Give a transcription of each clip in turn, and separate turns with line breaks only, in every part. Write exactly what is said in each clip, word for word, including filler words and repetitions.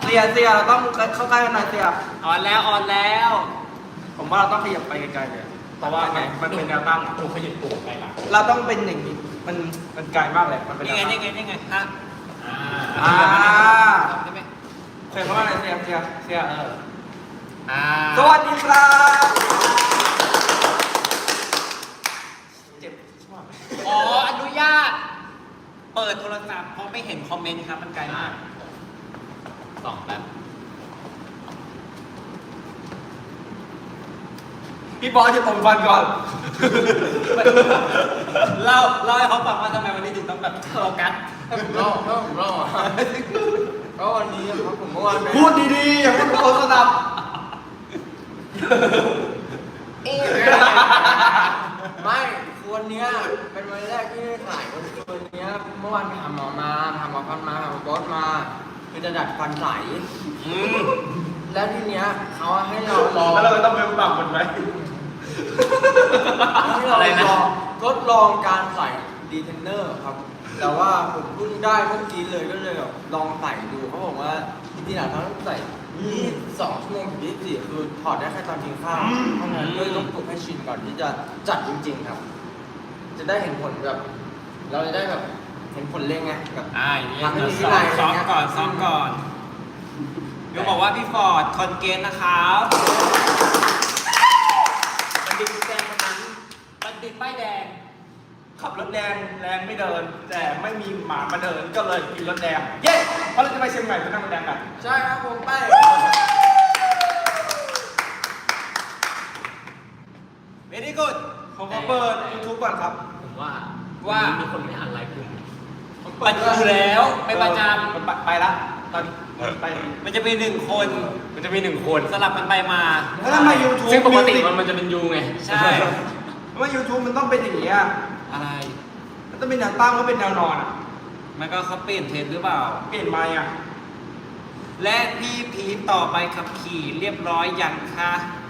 เสียเสียเราต้องเข้าใกล้กันหน่อยเสีย
ออนแล้วออนแล้ว
ผมว่าเราต้องขยับไปไกลๆเลยเพราะว่ามันเป็นแนวตั้ง
ถูกขยิบปลูกไปหลัง
เราต้องเป็นอย่างนี้มันมันไกลมากเลยมันเป็น
นี่ไงนี่ไงนี่ไงฮะ
อ่า
อ่า
ได้ไหม
เคยเพราะว่าอะไรเสียเสียเสียเออ
อ่า
สวัสดีครับเจ็บชอบ
อ๋ออนุญาต เปิดโทรศัพท์เพราะไม่เห็นคอมเมนต์ครับมันไกลมาก
สองแป๊บ
พี่บอสจะตรงฟันก่อน
เล่าเล่าให้เขาฟังว่าทำไมวันนี้ถึงต้องแบบโฟกัส
ผมเล่าเล่าผมเล่าอ่ะก็วันนี้ครับผมเมื่อวานไป
พูดดีๆอย่าให้ทุกคนสนับ
เอ๊ะไม่คือวันเนี้ยเป็นวันแรกที่ได้ถ่ายวันวันเนี้ยเมื่อวานไปหาหมอมาหาหมอฟันมาหาหมอบอสมาคือจะดัดฟันใส
อืม
แล้วทีเนี้ยเขาให้เราลอง
แล้วเราต้องไปปรับมันไหม
ให้เราลองทดลองการใส่ดีเทนเนอร์ครับ แต่ว่าผมเพิ่งได้เมื่อกี้เลยก็เลยแบบลองใส่ดูเขาบอกว่าจริงๆอะเขาต้องใส่ยี่สิบสองชั่วโมงถึงยี่สิบสี่คือถอดได้แค่ตอนกินข้าวเพราะฉะนั้นด้วยต้องปลุกให้ชินก่อนที่จะจัดจริงๆครับ จะได้เห็นผลแบบ เราจะได้แบบเห็นผลเร็งไงแบบ
อ่าอย่างนี้
ทำให้มีวิ
ซ้อ
นั
ม
ย
ซ้อม
ะไรเงี้ย
ก่อนซ้อมก่อนเดี๋ยวบอกว่าพี่ฟอร์ดคอนเกนนะครับบัณฑิตแดงคนนั้นบัณฑิตป้ายแดง
ขับรถแดงแรงไม่เดิน แต่ไม่มีหมามาเดินก็เลยกินรถแดง เย้เพราะเราจะไปเชียงใหม่ไปนั่งรถแดงกัน
ใช่ครับผมไป
เวดี้กูด
ผมก็เปิด YouTube ก่อนครับ
ผมว่า
ว่า
มีคนไม่อ่านไลน์กลุ่ม
ปัจจุแล้วไปประจ
มันไปไปละตอนไป
ำมันจะมีหนึ่งคน
มันจะมีหนึ่งคน
สลับกันไปมา
แล้วทำไม YouTube
ซึ่งปกติ
Music
มันมันจะเป็นยูไง
ใช่
ทำไม YouTube มันต้องเป็นอย่างนี้อ่ะ
อะไร
มันต้องเป็นแนวตั้งแล้วเป็นแนวนอนอ่ะ
มันก็เขาเปลี่ยนเทรนด์หรือเปล่า
เปลี่ยนไหมอ่ะ
และพี่พีทต่อไปขับขี่เรียบร้อยยังคะ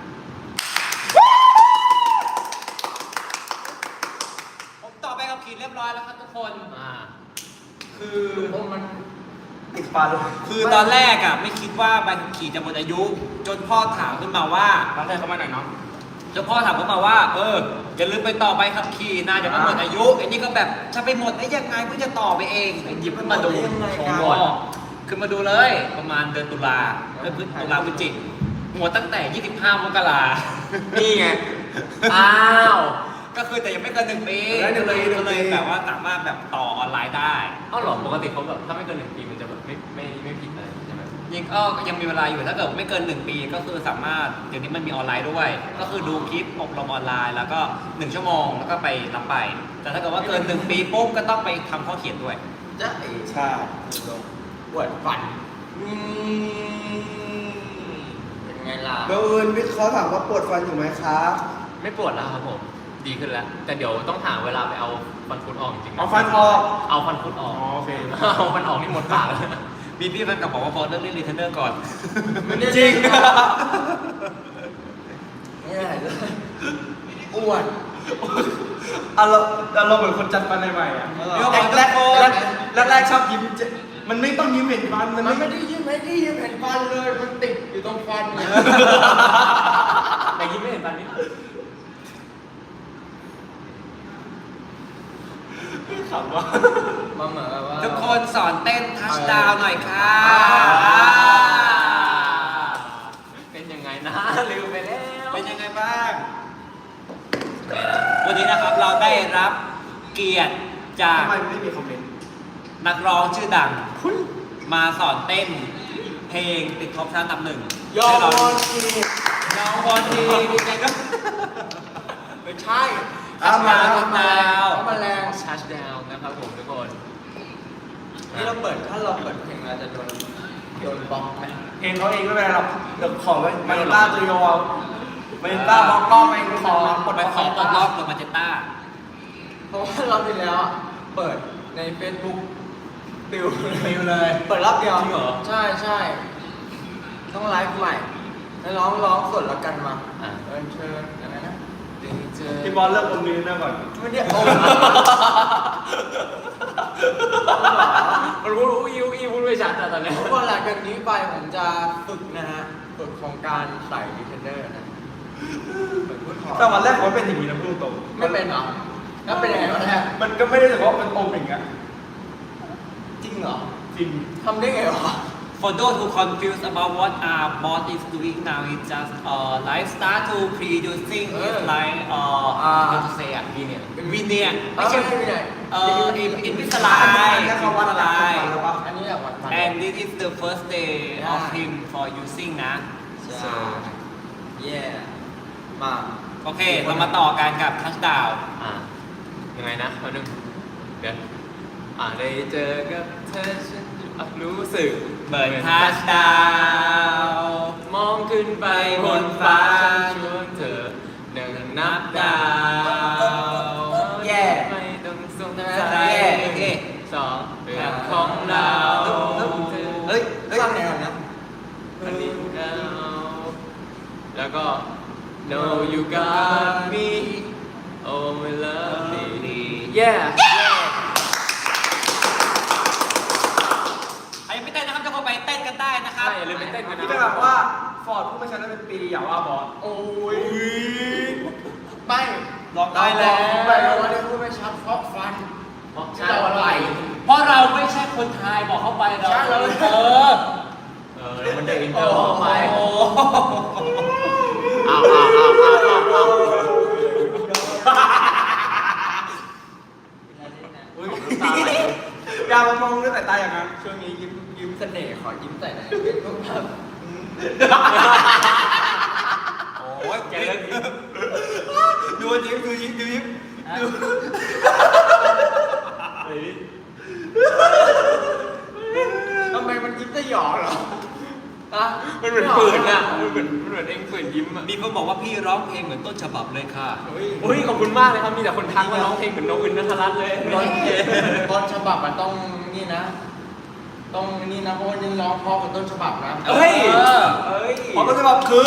ผมต่อไปขับขี่เรียบร้อยแล้วครับทุกคน
อ่า
คือ
ผมมัน
ติดฟัน
คือตอนแรกอ่ะไม่คิดว่าใบขับขี่จะหมดอายุ จนพ่อถามขึ้นมาว่า
น้องเธอเข้ามาหน่อยน้อง
จนพ่อถามขึ้นมาว่า เอออย่าลืมไปต่อใบขับขี่นะเดี๋ยวมันหมดอายุไอ้นี่ก็แบบจะไปหมดได้ยังไงเพิ่งจะต่อไปเองหยิบขึ้นมาดู
ยังไง
โช
กัน
ว์ก่อนขึ้นมาดูเลยประมาณเดือนตุลาเดือนพฤศตุลาพฤศจิกหมดตั้งแต่ ยี่สิบห้ามกรา
นี่ไง อ้าว
ก็คือแต่ยังไม่เกินหนึ่งปี
แล้วหนึ่
ก็
ง
เล
ปี
ยก็เลยแบบว่าสามารถแบบต่อออนไลน์ได้
เอ้าเหรอปกติเขาแบบถ้าไม่เกินหนึ่งปีมันจะแบบไม่ไม่ไม่ผิดอะไรใช่ไหม
ยิงก็ยังมีเวลาอยู่ถ้าเกิดไม่เกินหนึ่งปีก็คือสามารถเดี๋ยวนี้มันมีออนไลน์ด้วย ก็คือดูคลิปอบรมออนไลน์แล้วก็หนึ่งชั่วโมงแล้วก็ไปรับไป แต่ถ้าเกิดว่าเกินหนึ่งปีปุ๊บก็ต้องไปทำข้อเขียนด้วย
จะเอ๋
ใช่
ปวดฟันอืมเป็นไงล่ะ
เบลอื่นวิทย์เขาถามว่าปวดฟันอยู่ไหมครับ
ไม่ปวดแล้วครับผมดีขึ้นแล้ว แต่เดี๋ยวต้องหาเวลาไปเอาฟันคุดออกจริงๆะ
เอาฟันออก
เอาฟันคุดออก
อ๋อโอเค
เอาฟันออกนี่หมดปากแล้ว
มีพี่แฟนกลับบอกว่าบอลเรื่องเล่นรีเทนเนอร์ก่อน
ไม่ได้
จริง
ไม่ได้เลยอ้วน
อารมณ์อารมณ์เหมือนคนจัดฟันใหม่ๆอ่ะ
เออ
แรกแรกแรกแรกแรกชอบยิ้มเจมันไม่ต้องยิ้มเห็นฟันมัน
มัน
ไม่
ไม่ได้ยิ้มให้ที่ยิ้มเห็นฟันเลย มันติดอยู่ตรงฟันเลย
แต่ยิ้มไม่เห็นฟันนี่
ขำว่ะ
มาเหมือนแบบว่า
ทุกคนสอนเต้นทัชดาวหน่อยค่ะ
เป็นยังไงนะ ลืมไปแล้ว
เป็นยังไงบ้าง วันนี้นะครับเราได้รับเกียรติจาก
ทำไมไม่มีคอมเมนต์
นักร้องชื่อดัง มาสอนเต้นเพลงติดท็อปชาร์ตอันดับหนึ่ง
ยอ
ให้เรา
ม
ดู
ที
ยอมบอลทีดีใจก็
ไม่ใช่
เอามา
ทัชดาว
เขามาแรง
ชัชดาวนะครับผมทุกคน
นี่เราเปิด ถ้าเราเปิดเพลงเราจะโดนโดนบล็อกไหม
เพลงเขาเองไม่เป็นไรหรอกเดี๋ยวขอไว้มาเนต้าตัวโยเอามาเนต้าบล็อกก็ไปขอปลด
ไป
ล็อก
ขอปลดล็อกหรือมาเจต้า
เพราะว่าเราที่แล้วอะเปิดใน Facebook ปิว
ฟิลเลย
เปิดรอบเดียว
จริงเหรอ
ใช่ใช่ต้องไลฟ์ใหม่แล้วร้องร้องสดแล้วกันมา
อ่ะ
เออเชิญอะไรนะดีเจ
พี่บอลเลิกอมนิ้วหน้าก่อน
ไม่ได้โอ้
มันรู้รู้อิวอิวพูดไม่ชัดอะตอนเนี้ย
เพราะว่าหลังจากนี้ไปผมจะฝึกนะฮะฝึกของการใส่ดีเทนเนอร์นะเหมือนพูดขอ
แต่วันแรกเขาเป็นอย่างนี้นะพูดตรง
ไม่เป็นเหรอแล้วเป็นยังไงวะเนี่ย
มันก็ไม่ได้รู้สึกว่ามันอมอย่างเงี้ย
จริงเหรอ
จริง
ทำได้ไงวะ
For those who confused about what our boss is doing now, it's just uh, like start to producing is like uh, how to say อ่ะ
ดีเนี่ย
วินเนี่ยไม่ใช่
ไม่ใช่
เอ่ออินอินวิสไล
แค่คำว่าอะไร
อันนี้แหละวันพัน
and this is the first day of him for using นะ
ใช่เย่มา
โอเค เรามาต่อกันกับทัชดาว
อ่ายังไงนะเอาหนึ่งเดี๋ยวอ่าได้เจอกับเธอฉันอ่ะรู้สึก
เบิร์นทัชดาว
มองขึ้นไปบนฟ้าชวนเธอหนึ่งนับดาว
แย่
ไม่ต้องสง
ใช่
สั
ไหม
ย
โอเค
สองเรื่องของเรา
เฮ้ยสร้างแนวนะ
อันนี้เราแล้วก็ No you got me oh my love me yeah
ใครยังไม่เต้นนะครับจะเข้าไปเต้นกันได้นะครับ
ใช่อย่าลืมไปเต้นกันนะ
ที่จะแบบว่าฟอร์ดพูดไม่ชัดได้เป็นปีอย่าว่าบอส
โอ้ยไม่
ลองได้แล้ว
ไปแล้วว่าได้พูดไม่ชัดเพราะฟัน
เพราะ
ที่เราอะไร
เพราะเราไม่ใช่คนไทยบอกเข้าไปเรา
ใช่เรา
เออ
เออแล้วมันได้อินเตอร์เข้าไป
โอ้
อ้าวอ้าวอ้าวอ้าวอ้าวอ้าว
อุ้ย
ตาไหล
อย่ามามองด้วยสายตาอย่างนั้น
ช่วงนี้ยิ้มยิ้มเสน่ห์ขอยิ้มใส่หน่อยเป็นพวกแบบ
โอ้ยแกเลิกยิ้ม
ดูยิ้มดูยิ้มดูยิ้มดู
ทำไมมันยิ้มจะหยอกเหรออะ
มันเหมือนฝืนอ่ะมันเหมือนมันเหมือนเองฝืนยิ้มอ่ะ
มีคนบอกว่าพี่ร้องเพลงเหมือนต้นฉบับเลยค่ะ
เฮ้ย
อุ้ยขอบคุณมากเลยครับมีแต่คนทักว่าร้องเพลงเหมือนน้องอื่นนัทรัตน์เลย
ต้นต้นฉบับมันต้องนี่นะ ต้องนี่นะเพราะว่านี่ร้องเพราะกับต้นฉบับนะ
เฮ้ย
เอ้ย
เพราะต้นฉบับคือ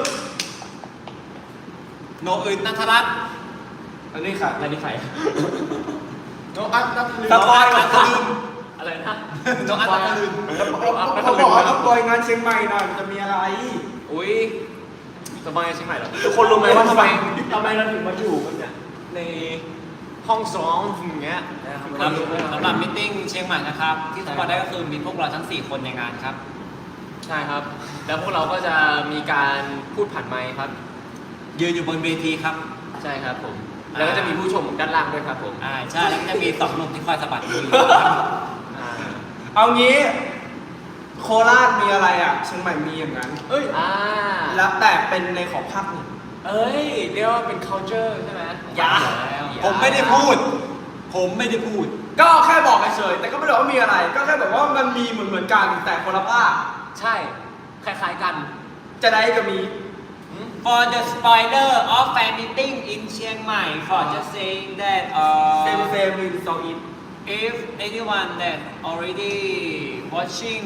โนอื่นนัทรัตน์
อันนี้ค่ะ
อะไรนี่ใคร
น้องอัดนัทลืม
สปอยล์นัทลืม
อะไรนะ
โนอัตนัทลืม
เขาบอกว่าสปอยล์งานเชียงใหม่หน่อยมันจะมีอะไร
อุ้ยสบายเชียงใหม่เหรอทุกคนรู้ไหมว่าทำไมทำไมเราถึงมาอยู่กันเนี่ยในห้องซ้อมอย่างเงี้ย
สำหรับสำหรับมิทติ้งเชียงใหม่นะครับ ที่สปอร์ตได้ก็คือมีพวกเราทั้งสี่คนในงานครับ
ใช่ครับ แล้วพวกเราก็จะมีการพูดผ่านไมค์ครับ
ยืนอยู่บนเวทีครับ
ใช่ครับผม แล้วก็จะมีผู้ชมด้านล่างด้วยครับผม
อ่าใช่แล้วก็จะมีสองหนุ่มที่คอยสะบัดมืออยู่
อ่า
เอางี้ โคราชมีอะไรอ่ะเชียงใหม่มีอย่างนั้น
เฮ้ย
อ่า
แล้วแต่เป็นในของภาคหนึ่ง
เอ้ยเรียกว่าเป็น culture ใช่ไหม
อย่าผมไม่ได้พูด ผมไม่ได้พูด
ก็แค่บอกเฉยๆแต่ก็ไม่ได้บอกว่ามีอะไร ก็แค่แบบว่ามันมีเหมือนเหมือนๆกันแต่คนละภาค
ใช่ คล้ายๆกัน
จะได้ก็มี
For the spoiler of fan meeting in Chiang Mai for just saying that
เซม
uh,
เซมวินซองอิน
if anyone that already watching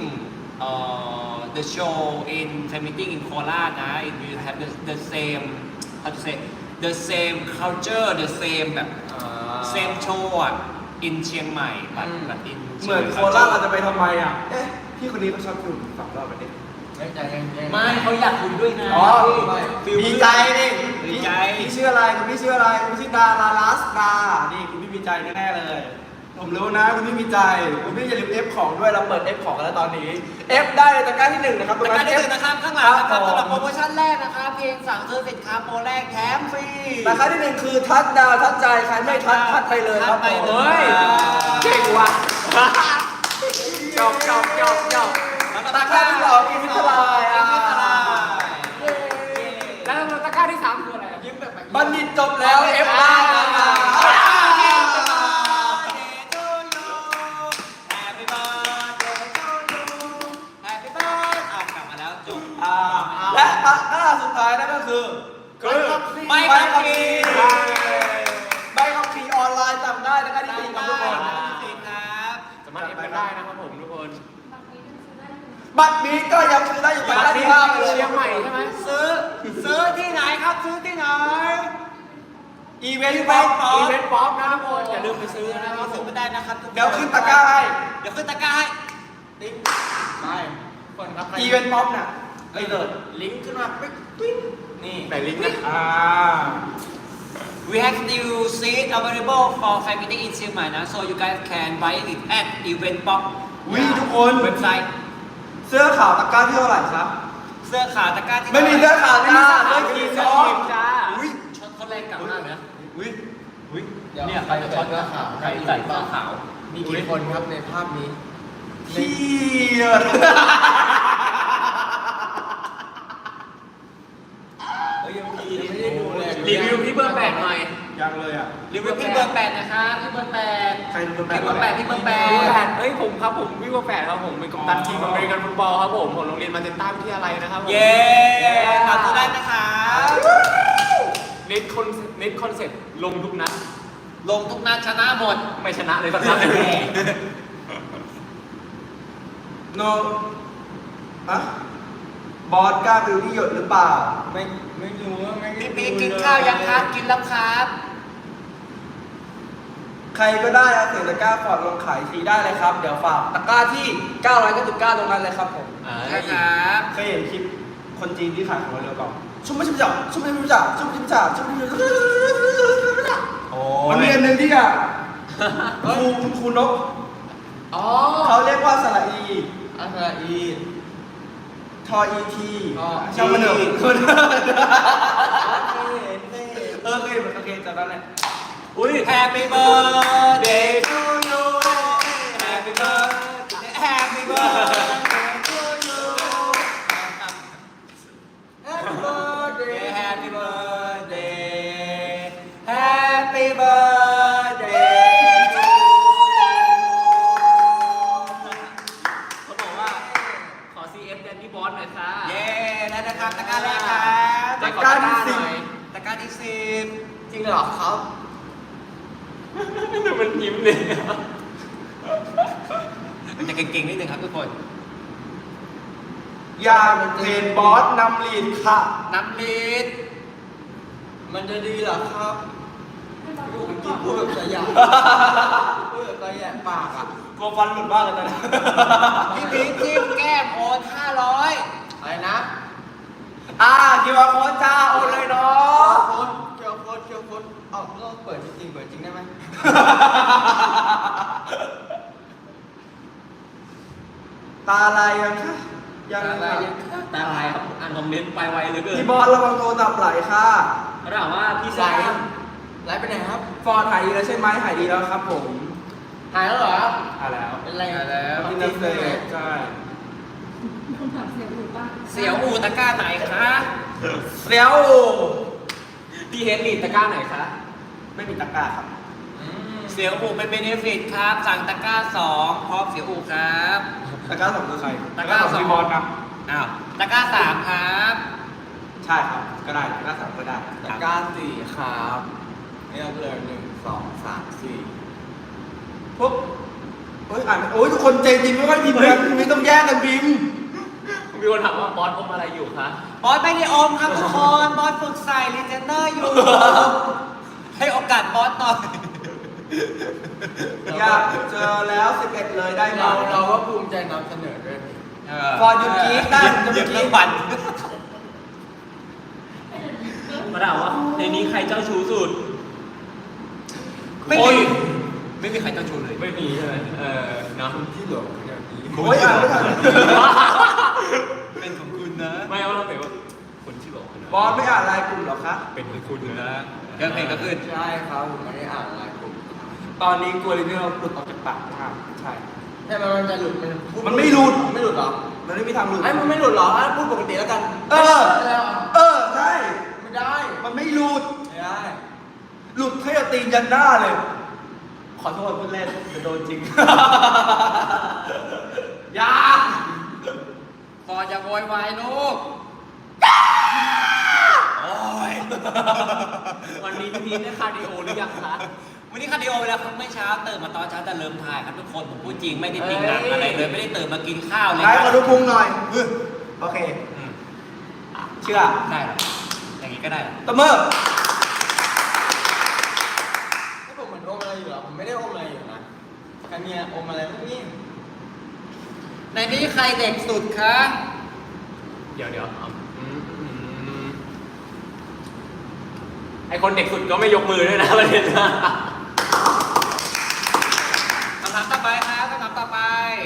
uh, the show in fan meeting in Kolat นะ it will have the, the same how to say the same culture the same แบบ same show อ่ะ in เชียงใหม่ but but in
เหมือนโคราชเราจะไปทำไมอ่ะ เอ๊ะ พี่คนนี้เขาชอบคุณสองรอบไปเด็ก
ไม่ใจเย็นๆ
ไม่เขาอยากคุยด้วยนะ
อ๋อ
ไม่
มีใจนี่
มีใจ
พี่ชื่ออะไรคุณพี่ชื่ออะไรคุณพี่ชื่อดาราลัสดานี่คุณพี่มีใจแน่ๆเลย ผมรู้นะคุณพี่มีใจคุณพี่อย่าลืม F ของด้วยเราเปิด F ของกันแล้วตอนนี้ F ได้เลยตะกร้าที่หนึ่งนะครับ
ตะกร้าที่หนึ่งนะครับข้างหลังนะครับ
ผม
สำหรับโปรโมชั่นแรกนะครับเพียงสั่งซื้อสินค้าโปรแรกแถมฟรี
ตะกร้าที่หนึ่งคือทัดดาวทัดใจใครไม่ทัดทัดไปเลยครับ
ทัดไป
ผม
เลย
เฮ้ย เก่งว่ะจบจบจบจบ
ตะกร้าที่สองอินฟิตไลน์
อินฟิตไลน์
แล้วตะกร้าที่สามคืออะไรยิ้มแบบ
บัณฑิตจบแล้ว F ได้นะครับ
Happy birthday to you Happy birthday อ่ะกลับมาแล้วจบ
อ่าและตะกร้าสุดท้ายนั่นก็คือคือ
ใบขับขี่
ใบขับขี่ออนไลน์จำได้ตะกร้าที่สี่ครับทุกคน
สี่ครับ
สามารถเอฟกันได้นะครับผมทุกคน
บัตรนี้ก็ยังซื้อได้อยู่ตะกร้าที่ห้าไปเลย
เชียงใหม่ใช่ไหม
ซื้อซื้อที่ไหนครับซื้อที่ไหน
อีเวนต์ป๊อป
อีเวนต์ป๊อปนะทุกคนอย่าลืมไปซื้อนะค
เรา
รับ
ซื้อไม่ได้นะครับทุกคน
เดี๋ยวขึ้นตะกร้าให้
เดี๋ยวขึ้นตะกร้าให้
ติ๊กไปคนครับ
อีเวนต์ป๊อปน่ะไอ้เดิร์ด
ลิงก์ขึ้นมาปิ๊กปิ๊งนี่
ไหนลิงก์นะ
อ่า
We have new seat available for fan meeting in Chiang Mai นะ so you guys can buy it at Event Pop
วิทุกคน
เว็บไซต์
เสื้อขาวตะกร้าที่เท่าไหร่ครับ
เสื้อขาวตะกร้าที่
ไม่มีเสื้อขาวจ้า
เสื้
เสื้
อ
อ
ขี
ขี
ด
ด
ซ
ซ
อ
อง
จ้า
อุ้ย
ช็อตเขาแรงกลับมากเลยนะ
อุ้ยอุ้ย
เนี่ยใครจะช็อตเสื้อขาวใครใส่เสื้อขาว
มีกี่คนครับในภาพนี้
เฮีย
เฮ้ยยังมีไม่ได้ดูเลย
รีวิวที่เบอร์แปดหน่อย
ยังเลยอ่ะ
รีวิวพี่เบอร์แปดนะครับพี่เบอร์แปด
ใครเป็นเบอร์แปด
พี่เบอร์แปดพี่เบอร์แป
เบอร์แป
ด
ดเอ้ยผมครับผมวิวแปดครับผมเป็นกัปตันทีมอเมริกันฟุตบอลครับผมของโรงเรียนมาเจนต้าวิทยาลัยนะครับผม
เย้ขอบคุณได้นะครับ
เน็ตคอนเน็ตคอนเซ็ปต์ลงทุกนัด
ลงทุกนัดชนะหมด
ไม่ชนะเลยสักนัดเลย
โนอะบอสกล้าไปดูที่หยดหรือเปล่า
ไม่ไม่รู้ว่าไม่ได้
พี่
ดู
พีกินข้าวยังครับกินแล้วครับ
ใครก็ได้เอาเสียงตะกร้าฟอร์ดลงขายทีได้เลยครับ เดี๋ยวฝากตะกร้าที่เก้าร้อยเก้าสิบเก้าตรงนั้นเลยครับผม
อ่า
นะครับ
เคยเห็นคลิปคนจีนที่ขายของเรือเปล่าชุ่มไม่ชุ่มจ่าชุ่มไม่ชุ่มจ่าชุ่มไม่ชุ่มจ่าชุ่มไม่ชุ่มจ่า
โอ้
มันมีอันหนึ่งที่อ่ะครูครูนก
อ๋อ
เขาเรียกว่าสระอี
อัสราอี
ทออีที
อ๋อ
ช่างมันเถอะ
อี
คน
เคยเห็นเคยเห็น
เออเคยเห็นโอเคจำได้แหละ
อุ้ย Happy birthday to you Happy birthday Happy birthday to you
Happy birthday
Happy birthday Happy birthday to you
เขาบอกว่าขอ ซี เอฟ แดนนี่บอสหน่อยค่ะ
เย้ได้นะครับตะกร้าแรกครับ
ตะกร้าที่สิบ
ตะกร้าที่สิบ
จริงเหรอครับ
ดูมันยิ้มเลย
จะเก่งๆนิดนึงครับทุกคน
อยากเห็นบอสนำลีดค่ะ
น้ำลีด
มันจะดีเหรอครับพูดเมื่อกี้พูดแบบสยามพูดแบบสยามปากอ่ะ
กลัวฟันหลุดมากเลยตอนนี้
พี่พีชจิ้มแก้มโอนห้าร้อย
อะไรนะ
อ่าคิวอาร์โค้ดจ้าโอนเลยเนาะ
โค้ดเคียวโค้ดเคียวโค้ดเอ้าเราเปิดจริงๆเปิดจริงได้ไหม
ตาลายยังคะยัง
ตา
ค่ะ
ลายตาลายครับอ่านคอมเมนต์ไปไวเหลือเกิน
พี่บอสระวังโทรศัพท์ไหลค่ะ
เขาถามว่าพี่
ไหล
สาย
ไหลไปไหนครับ
ฟอร์ดหายดีแล้วใช่ไหมหายดีแล้วครับผม
หายแล้วเหรอ
หายแล้ว
เป็นไร
หายแล้วที่นักเตะใช่
คำถามเสียงหรือป่ะ
เสียวอูตะกร้าไหนคะ
เสียว
พี่เฮดลีดตะกร้าไหนคะ
ไม่มีตะกร้าครับ
อืม
เสียวอูเป็นเบเนฟิตครับ สั่งตะกร้าสองพร้อมเสียวอูครับ
ตะกร้าสองคือใคร
ตะกร้าสอง
พี่บอสครับ
อ้าวตะกร้าสามครับ
ใช่ครับก็ได้ตะกร้าสามก็ได้
ตะกร้าสี่ครับเลือกเลยหนึ่งสองสามสี่
ปุ๊บเฮ้ยอ่านโอ้ยทุกคนใจจริงไม่ค่อยพิมพ์กันไม่ต้องแย่งกันพิมพ์
มีคนถามว่าบอสอมอะไรอยู่คะ
บอสไม่ได้อมครับทุกคน บอสฝึกใส่รีเจนเนอร์อยู่ ให้โอกาสบอสหน่อย
อยากเจอแล้วสิบเอ็ดเลยได้ไหม
เราเราก็ภูมิใจนำเสนอด้วยนี่
ฟอร์ดหยุดกรี๊ดได้ผมจะ
หยุ
ไม่
ด
กรี๊
เรื่อ
ด
งบัน
มาถามว่าในนี้ใครเจ้าชู้สุด
ไม่
โอ้
มี
ย
ไม่มีใครเจ้าชู้เลย
ไม่มีใช่ไหมเออเนาะ
ที่หลงอย่างนี้
โอ้ยอ่านไม่ทัน
เป็นของคุณนะ
ไม่เอาเราแต่ว่าคนที่บอกนะ
บอสไม่อ่านไลน์กลุ่มเหรอคะ
เป็นของคุณนะ
เรื่องเพลงก็ขึ้น
ใช่ครับผมไม่ได้อ่านไลน์กลุ่ม
ตอนนี้กลัวลิเนอร์หลุดออกจากปากนะครับใช่
ใช่ไหมมันจะหลุดมันพูด
มันไม่หลุด
ไม่หลุดหรอ
มันไม่มีทางหลุด
ไอ้มันไม่หลุดหรออ่ะพูดปกติแล้วกัน
เออ
ไม่ได้หรอ
เออใช่
ไม่ได้
มันไม่หลุด
ไม่ได้
หลุดให้เอาตีนยันหน้าเลย ขอโทษพูดเล่นจะโดนจริง อยา
พอจะโวยวายลูก โอ้ย
วันนี้พี่พีชได้คาร์ดิโอหรือยังคะ
วันนี้คาร์ดิโอไปแล้วครับเมื่อเช้าตื่นมาตอนเช้าแต่เริ่มถ่ายครับทุกคนผมพูดจริงไม่ได้ติงหนังอะไรเลยไม่ได้ตื่นมากินข้าวเลย
ไหนขอดูพุงหน่อยอื้อโอเค
อืม
เชื่อ
ได้เหรออย่างนี้ก็ได้เหรอ
ตบมือ
เนี่ยอมอะไรพวกนี้
ในนี้ใครเด็กสุดคะ
เดี๋ยวเดี๋ยวเอาอืมอืมไอคนเด็กสุดก็ไม่ยกมือด้วยนะประเด็นนะ
คำถามต่อไปครับคำถามต่อไป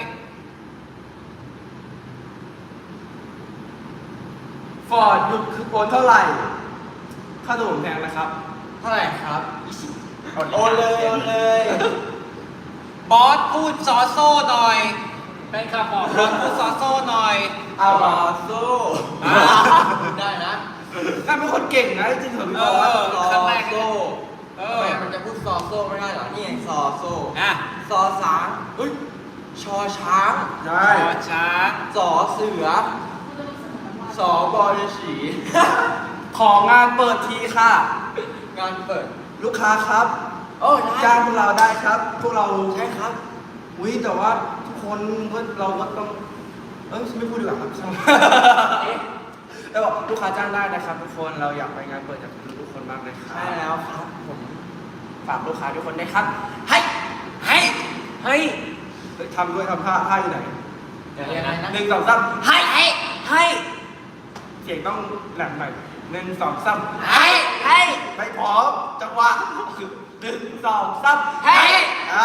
ฟอร์ดหยุดคือโอนเท่าไหร่ ค่าตัวผมแพงนะครับ
เท่าไหร่ครับ
โอน
โอนเลยโอนเลย
บอสพูดซอโซ่หน่อยแฟนคลับบอกบอสพูดซอโซ่หน่อย
เอา
ซ
อ่ะ
อโซ่ได้นะ
นั่นเป็นคนเก่งนะจริงๆเถอะพี่บอส
เออ
ซอโซ่
เอ
ทำ
อ
ไมมันจะพูดซอโซ่ไม่ได้เหรอนี่ไงซอโซ่
อ่ะ
ซอสางเฮ้ยชอช้าง
ใช่
ขอช้าง
สอเสือ สอบอลฉี
ของานเปิดทีค่ะ
งานเปิด
ลูกค้าครับ
โอ้ได้
จ้างพวกเราได้ครับ พวกเรา
ใช่ครับ
อุ้ยแต่ว่าทุกคนก็เราก็ต้องเอ้ยไม่พูดดีกว่าครับ แต่บอกลูกค้าจ้างได้นะครับ ทุกคนเราอยากไปงานเปิดจากทุกคนมากเลยครับ
ใช่แล้วครับผม
ฝากลูกค้าทุกคนด้วยครับให้ให้
เฮ้ย
เฮ้ยทำด้วยทำท่าท่าอยู่ไหน
ยังไงนะ
หนึ่งสองสาม
ให้ให้ให้
เสียงต้องแหลมหน่อยหนึ่งสองสาม
ให้ให้
ไม่พร้อมจังหวะคือหนึ่งสองสาม
ให้
อ่า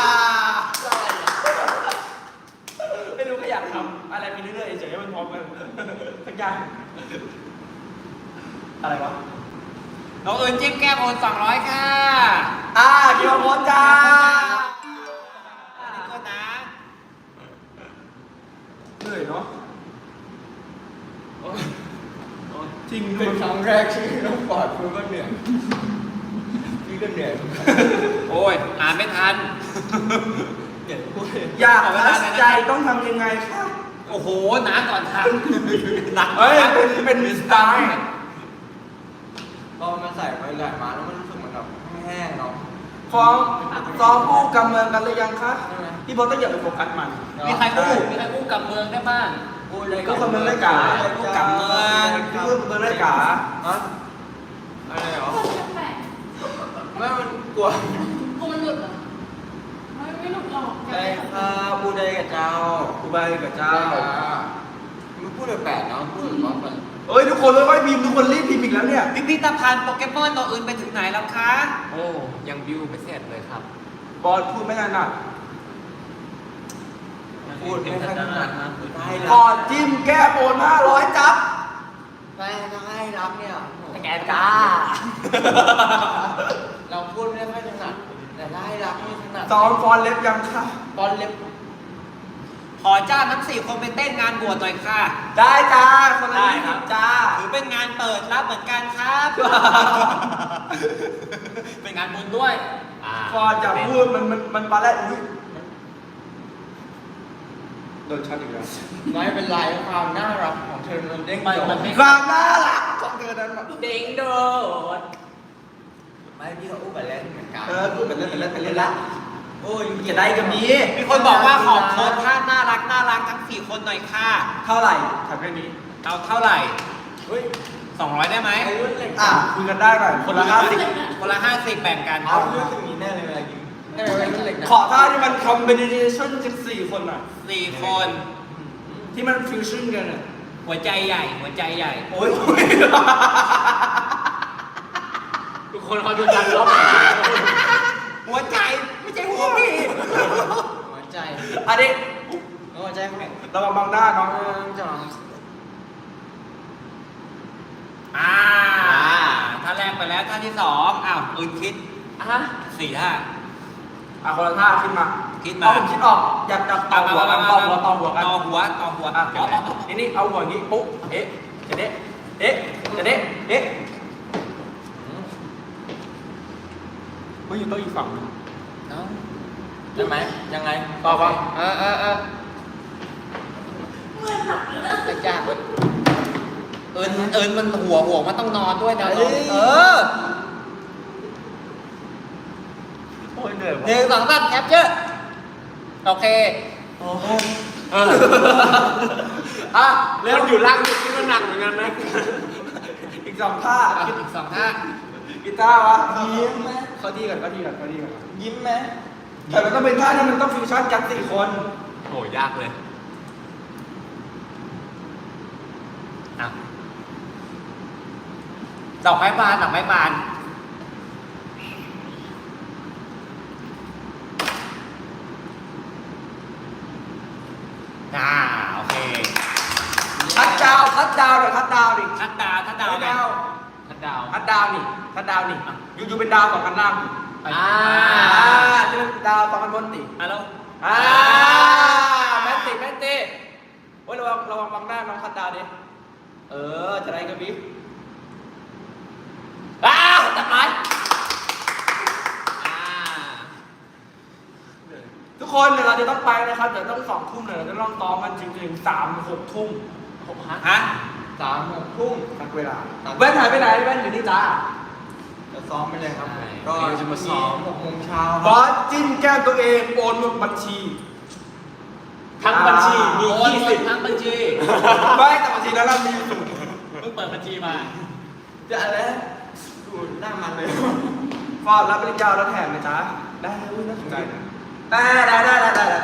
ไม่รู้ก็อยากทำอะไรไปเรื่อยๆเฉยๆให้มันพร้อมกันสักอย่างอะไรวะ
น้องเอิญจิ้มแก้มโอนสองร้อยค่ะ
อ่าคิวโมจ้า
อันนี้ก็นะ
เหนื่อยเนาะ
โอ้ยโอ้ย
จริง
เป็นครั้งแรกที่น้องปอดพูดว่าเหนื่อยพี่ก็เหนื่อยเหมือนกัน
โอ้ยอ่านไม่ทัน
เหนื่อยพูด
อยากทัชใจต้องทำยังไงคะ
โอ้โหน้าก่อนทันนัก
เฮ้ยเป็นเป็นสไตล์
พอมันใส่ไปหลายมาแล้วมันรู้สึกเหมือนแบบแห้งๆเนาะ
ฟ้องฟ้องผู้กำเมืองกันหรือยังคะ
ใช่ไหม
พี่บอลต้องอย่าไปโฟกัสมัน
มีใครอู้มีใครอู้กับเมืองได้บ้าง
พูดเลย
ผู้กำเมืองได้กา
ผู้กำเมือง
พี่ผู้กำเมืองได้กา
ฮะอะไรเหรอ
แปลก
ไม่มันกลัว
ๆกูมันหลุดเหรอไม่ไม่หลุดหรอก
ได้ค่ะพูดได้กับเจ้า
กูไปกับเจ้า
มันพูดแปลกๆเนาะพูดแบบว่ามัน
เอ้ยทุกคนค่อยๆพิมพ์ทุกคนรีบพิมพ์อีกแล้วเนี่ย
พิพิธภัณฑ์โปเกมอนตัวอื่นไปถึงไหนแล้วคะ
โอ้ยังบิวไม่เสร็จเลยครับ
บอลพูดไม่ถนัด
พูดไม่ค่อยถนัดนะได้
ก่
รั
อบ นจิ้มแก้โอนห้าร้อยจับ
ได้ได้รับเนี่ย
แกจ้า
เราพูดไม่ค่อยถนัดแต่ได้รับไม่ถนัด
ซ้อมฟอนเล็บยังค่ะ
บอลเล็บ
ขอจ้างทั้งสี่คนไปเต้นงานบวชหน่อยค่ะ
ได้จ้าคนละ
ได้
ยี่
ครั
สิ
บ
บจ้า
ถือเป็นงานเปิดรับเหมือนกันครับ เป็นงานบุญด้วย
อ่า
ฟอนจะพูดมันมันมันปลาแรดอุ้ยโดนช็อตอีกแล้ว
ไม่เป็นไรความน่ารักของเธอมันเด้ง
ไม่
โด
มั
ด
นไม่
ความน่ารักของเธอนั้นแบบ
เด้งโดด
ไม่พี่เขาอู้ไปเล่นเหมือนกัน
เออพูดเป็นเล่นเป็นเล่นเป็นเล่นละ
โอ้ย
จะได้กับนี้
มีคนบอกว่าขอโพสท่าน่ารักน่ารักทั้งสี่คนหน่อยค่ะ
เท่าไหร่ถามแค่นี้
เอาเท่าไหร่
เฮ้ย
สองร้อยได้ไหม
ไอ้รุ่นเหล็ก
อ่ะคุยกันได้หน่อยคนละห้าสิบ
คนละห้าสิบแบ่งกัน
เอาเรื่องตรงนี้แน่เลยเวลายิงแน่เลยรุ่นเหล็กนะ
ขอท่าที่มันคอมบิเนชั่นจากสี่คนอ่ะ
สี่คน
ที่มันฟิวชั่นกันอ่ะ
หัวใจใหญ่ หัวใจใหญ่
โอ้ย
ทุกคนเขาดูจันรอบ
หัวใจไม่ใช่หัวพี่
หัวใจ
อันนี้
หัวใจเขา
ระวังบังหน้าน้อง
เออจัง
อ่าท่าแรกไปแล้วท่าที่สองอ้าวอื่นคิด
อ่ะ
สี่ท่า
อ่ะคนละท่าขึ้นมา
คิดมา
เอาผมคิดออกอยากจับต่อหัวกันต่อหัวต่อหัวกัน
ต่อหัวต่อหัว
อ่ะ
อ๋ออ๋ออ๋อ
นี่นี่เอาหัวอย่างนี้ปุ๊บเอ๊ะจะเด๊ะเอ๊ะจะเด๊ะเอ๊ะไม่อยู่โต๊ะอีกฝั่งนึง
เอา
ใช่ไหมยังไง
ต่อปะ
เออเออเออ
แต่ยากเว้ย
เอิญเอิญมันหัวหัวมันต้องนอนด้วยนะ
เอ้ย
เออ
โอ้ยเหนื่อย
ห
ว่ะ
นึ่งสองสามแคปเจอร์โอเค
โอ้ย
เออ
อ่ะ
เริ่
เร็ว
มอยู่ล่างนี่ก็หนักเหมือนกันนะ
อีกสองท่า
อ่ะอีกสองท่า
กีตาร์วะยิ้มไหมเขาดีกันเขาดีกันเขาดีกัน
ยิ้มไหม
แต่มันต้องเป็นท่าที่มันต้องฟิวชั่นกันสี่คน
โหยากเลย
อ่ะดอกไม้บานดอกไม้บานอ่าโอเค
ทัดดาวทัดดาวหน่อยทัดดาวดิ
ทัดดาวทัดดาว
ทัด
ไหม
ดาว
ทัดดาว
ทัดดาวนี่ทัดดาวนี่อยู่อยู่เป็นดาวสองกันล่าง
อ่า
อ่าจะเป็นดาวสองกันบนติ
อ่ะแล้ว
อ่าแมนติแมนติโอ้ยระวังระวังบังหน้าน้องทัดดาวดิเออจะได้กระพริบอ้าวตัดไม้
อ่า
ทุกคนเดี๋ยวเราจะต้องไปนะครับเดี๋ยวต้องสองทุ่มเลยเราจะต้องซ้อมกันจริงๆสามหกทุ่ม
หกฮะ
ฮะ
สามหกทุ่ม
ทักเวลาแว่นหายไปไหนแว่นอยู่นี่จ้า
จะซ้อมไปเลยครับ
ใช่
ก็
เดี๋ยวจะมาซ้อม
หกโมงเช้า
บอสจิ้มแก้มตัวเองโอนหมดบัญชี
ทั้งบัญชีมี
โอน
ยี่
หม
สิ
ด
บ
ทั้งบัญชี
ไม่แต่บัญชีนั้นเรามีสูง
เพิ่งเปิดบัญชีมา
จะอะไรดูหน้ามันเลย
ฟอดรับปริญญาแล้วแถมไหมจ๊ะได้อุ้ยน่าสนใจนะได้ได้ได้ได้ได้ได้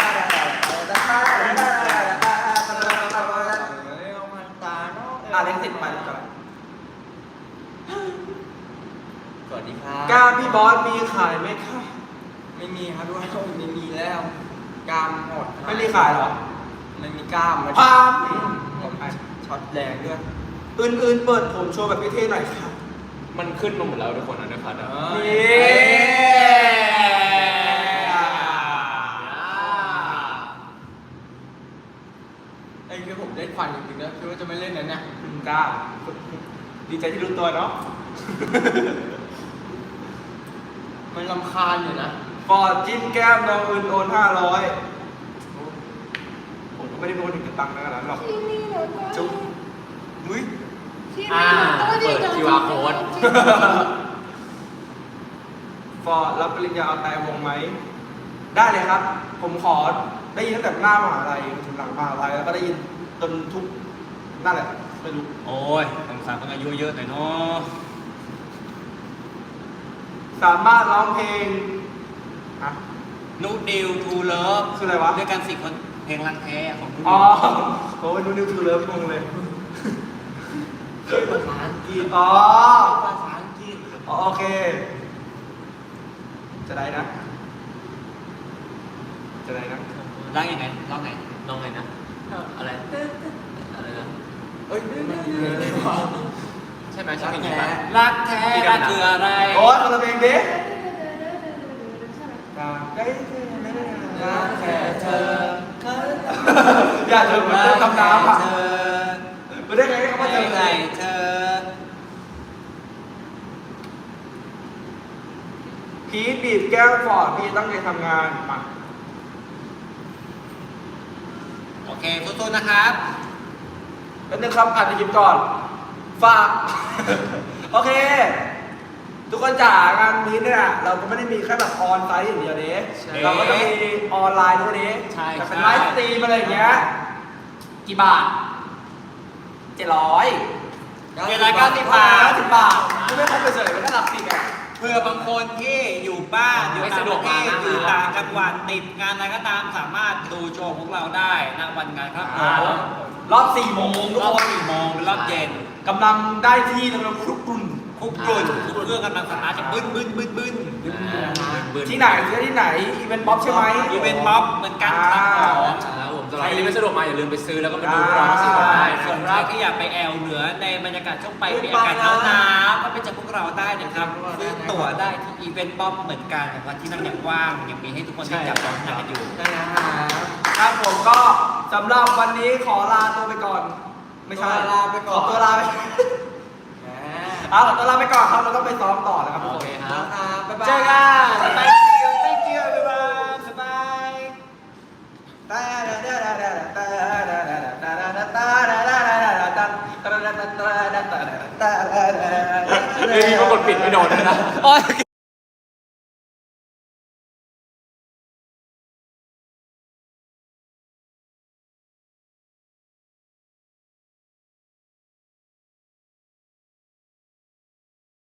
อ่ะเล็กติดไปก่อน
สวัสดีครับ
กล้ามพี่บอสมีขายไหมคะ
ไม่มีครับด้วยไม่มีแล้วกล้ามหมด
ไม่มีขายหรอ
ไม่มีกล้ามแล้ว
พาม
หมดช็อตแรงด้วย
อื่นๆเปิดผมโชว์แบบเท่ๆหน่อยค่ะ
มันขึ้นมาหมดแล้วทุกคนนะในพัดอ่ะ
นี่
ไอ้คือผมได้ควันจริงๆนะคือว่าจะไม่เล่นนะเนี่ย
คุณกล้าดีใจที่รู้ตัวเนาะ
มันรำคาญอยู่นะ
ฟอร์ดจิ้มแก้มน้องอื่นโอนห้าร้อยผมก็ไม่ได้โอนถึงกระตังค์ขนาดนั้นหรอก
ที่นี่หนูก็
จุ๊บมุ้ย
ที่
อ่า
นี่หนูก็ดี
เปิด
จัง
คิว อาร์ code
ฟอร์ดรับปริญญาเอาแต่วงไหม ได้เลยครับ ผมขอได้ยินตั้งแต่หน้ามหาลัยถึงหลังมหาลัยแล้วก็ได้ยินจนทุกนั่นแหละไม่รู้
โอ้ยสงสารคนอายุเยอะหน่อยเนาะ
สามารถร้องเพลงฮะ
นูดิวทูเลิฟ
คืออะไรวะ
ด้วยกันสี่คนเพลงรังแท้ของนูดิ
อ๋อ
ว
โอ้ยนูนิวทูเลิฟงงเลย
ภาษาอังกฤษ
อ๋อ
ภาษาอังกฤษ
อ๋อโอเค จะได้นะ จะได้นะ
ร้องยังไงร้องไง
น้องไงนะ อะไร อะไรนะ
เอ้ยมันดีเลยว่ะ
ใช่ไหมใช่เพลงนี้ปะ
รักแท้รักคืออะไร
โอ้ยคนละเพลงดิ
ใช่ไหม
ได้ไม่ได้
รักแค่เธอ
อย่าเธอเหมือนเดินทำน้ำอ่ะ
เธอ
ไม่ได้ไงก็มาเจอ
ไม่ให้เธอ
พีทบีบแก้วฟอร์ดพีทตั้งใจทำงานมา
โอเคสู้ๆนะครับ
แล้วนึงครับอ่านในคลิปก่อน ฝาก โอเค ทุกคนจ๋างานนี้เนี่ย เราก็ไม่ได้มีแค่แบบออนไลน์อย่างเดียวเด้
ใช่
เราก็จะมีออนไลน์ด้วยเด้
ใช่
แต่เป็น
ใช่
ไลฟ์สตรีมอะไรอย่างเงี้ย กี่บาทเจ็ดร้อย
เจ็ดร้อยเก้าสิบบาท
เก้าสิบบาทไม่ได้ครบไปเฉยไม่ได้หลับสิบอ่ะ
เพื่อบางคนที่อยู่บ้านอยู่ต่างประเทศอยู่ต่างจังหวัดติดงานอะไรก็ตามสามารถดูโชว์ของเราได้ณวันงานครับ
อ่ารอบรอบสี่โมงทุก
รอบ
คน
สี่โมงเป็นรอบเย็น
กำลังได้ที่กำลังคลุกกลุ่น
คุกกรุ่นทุกเครื่องกำลังสตาร์ทจะบึ้นบึ้นบึ้นบึ้น
ที่ไหนที่ไหนอีเวนต์ป๊อปใช่ไหม
อีเวนต์ม็อบเหมือนกันครับผม
ครับผมสำหรับใครที่ไม่สะดวกมาอย่าลืมไปซื้อแล้วก็มาดูพร้อม
อ่า
สิกันได้นะ
ส่วน
ค
ใคร
รับ
ที่อยากไปแอลเหนือในบรรยากาศช่วงไปมีอากาศหนาวหนาวก็ไปเจอพวกเราได้นะครับซื้อตั๋วได้ที่อีเวนต์ม็อบเหมือนกันวันที่นั่งยังว่างยังมีให้ทุกคนได้จับจองนั่งกันอยู่
ได้นะครับ
ครับผมก็สำหรับวันนี้ขอลาตัวไปก่อน ไม่ใช่
ตัวลาไปก่อน
ขอตัวลาไป
แหม
เอาขอตัวลาไปก่อนครับเราต้องไปซ้อมต่อนะครับทุก
โอ
คน
เคครับ
ครับบ๊ายบาย
เจอกัน thank you thank you everyone บ๊ายบายตาดาดาดาดาตาดาดาดาดาดาตาดาดาดาดาดาตาดาดาดาดาดาตาดาดาดา
เฮ้ยมีคนกดปิดไม่โดนเลยนะ
โอ้ย